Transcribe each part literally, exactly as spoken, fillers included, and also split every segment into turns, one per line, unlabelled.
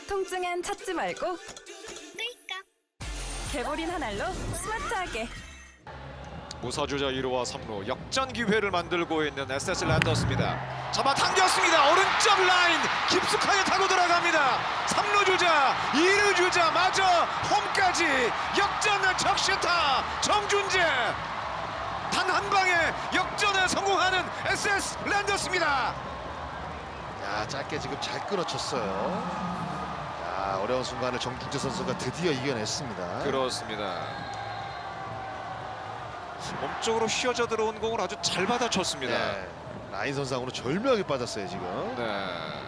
통증엔 찾지 말고 끌까. 개보린 한 알로 스마트하게.
무사주자 일 루와 삼 루 역전 기회를 만들고 있는 에스에스 랜더스입니다. 잡아당겼습니다. 오른쪽 라인 깊숙하게 타고 들어갑니다. 삼 루 주자, 이 루 주자 마저 홈까지 역전의 적시타 정준재. 단 한 방에 역전에 성공하는 에스에스 랜더스입니다.
야, 짧게 지금 잘 끊어쳤어요. 야, 어려운 순간을 정준재 선수가 드디어 이겨냈습니다.
그렇습니다. 몸쪽으로 휘어져 들어온 공을 아주 잘 받아쳤습니다.
네, 라인 선상으로 절묘하게 빠졌어요 지금.
네.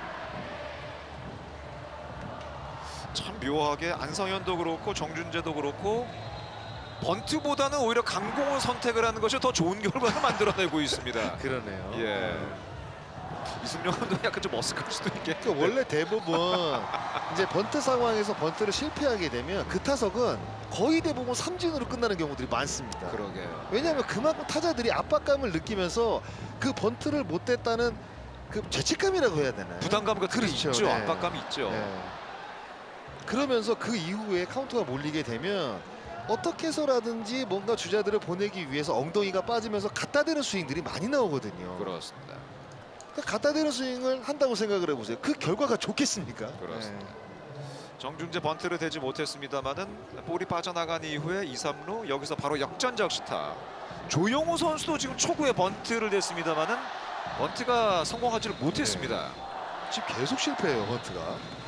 참 묘하게 안성현도 그렇고 정준재도 그렇고 번트보다는 오히려 강공을 선택을 하는 것이 더 좋은 결과를 만들어내고 있습니다.
그러네요.
예. 이승용 감독 약간 좀 어색할 수도 있겠는데.
그 원래 대부분 이제 번트 상황에서 번트를 실패하게 되면 그 타석은 거의 대부분 삼진으로 끝나는 경우들이 많습니다.
그러게요.
왜냐하면 그만큼 타자들이 압박감을 느끼면서 그 번트를 못 댔다는 그 죄책감이라고 해야 되나요?
부담감 같은 게
그렇죠.
있죠.
네.
압박감이 있죠.
네. 그러면서 그 이후에 카운트가 몰리게 되면 어떻게 해서라든지 뭔가 주자들을 보내기 위해서 엉덩이가 빠지면서 갖다 대는 스윙들이 많이 나오거든요.
그렇습니다.
그러니까 갖다 대는 스윙을 한다고 생각을 해보세요. 그 결과가 좋겠습니까?
그렇습니다.
네.
정준재 번트를 대지 못했습니다만은 볼이 빠져나간 이후에 이, 삼 루 여기서 바로 역전적 시타. 조용호 선수도 지금 초구에 번트를 댔습니다만은 번트가 성공하지를 못했습니다.
지금 계속 실패해요, 번트가.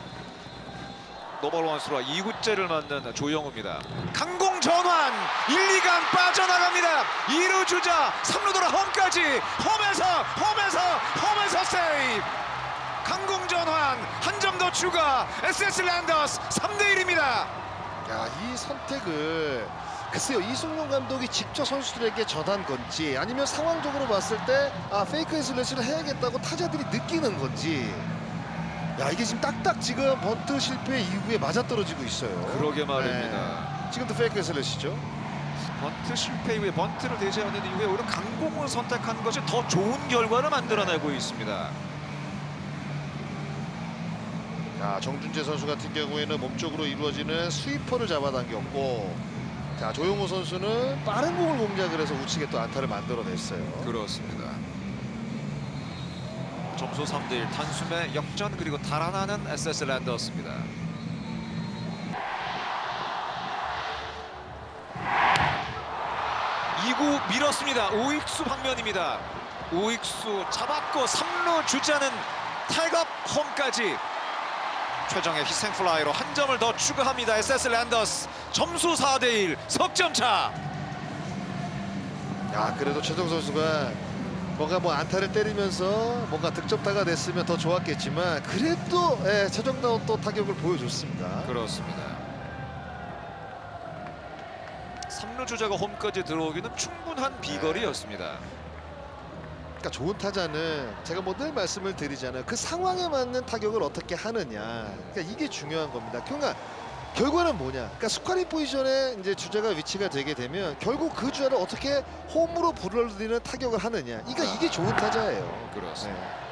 노벌 원수라 이 구째를 맞는 조영우입니다. 강공 전환 일, 이간 빠져나갑니다. 이 루 주자 삼 루 돌아 홈까지 홈에서 홈에서 홈에서 세이브. 강공 전환 한 점 더 추가. 에스에스 랜더스 삼 대 일입니다.
야, 이 선택을 글쎄요, 이승용 감독이 직접 선수들에게 전한 건지 아니면 상황적으로 봤을 때 아, 페이크 슬래시를 해야겠다고 타자들이 느끼는 건지. 야, 이게 지금 딱딱 지금 번트 실패 이후에 맞아떨어지고 있어요.
그러게 말입니다.
네. 지금도 페이크 슬래시죠.
번트 실패 이후에 번트를 대지 않는 이후에 오히려 강공을 선택한 것이 더 좋은 결과를 만들어내고 있습니다.
자, 정준재 선수 같은 경우에는 몸쪽으로 이루어지는 스위퍼를 잡아당겼고, 자, 조용호 선수는 빠른 공을 공략을 해서 우측에 또 안타를 만들어냈어요.
그렇습니다. 점수 삼 대 일 단숨에 역전 그리고 달아나는 에스에스 랜더스입니다. 이 구 밀었습니다. 오익수 방면입니다. 오익수 잡았고 삼 루 주자는 탈갑 홈까지. 최정의 희생 플라이로 한 점을 더 추가합니다. 에스에스 랜더스 점수 사 대 일 석점 차.
야, 그래도 최정 선수가 뭔가 뭐 안타를 때리면서 뭔가 득점타가 됐으면 더 좋았겠지만 그래도 예, 최정다운 또 타격을 보여줬습니다.
그렇습니다. 삼 루 주자가 홈까지 들어오기는 충분한 비거리였습니다.
그러니까 좋은 타자는 제가 뭐 늘 말씀을 드리잖아요. 그 상황에 맞는 타격을 어떻게 하느냐. 그러니까 이게 중요한 겁니다. 그러니까 결과는 뭐냐? 그러니까 스코어링 포지션에 이제 주자가 위치가 되게 되면 결국 그 주자를 어떻게 홈으로 불러들이는 타격을 하느냐. 그러니까 이게 좋은 타자예요.
그렇습니다.
네.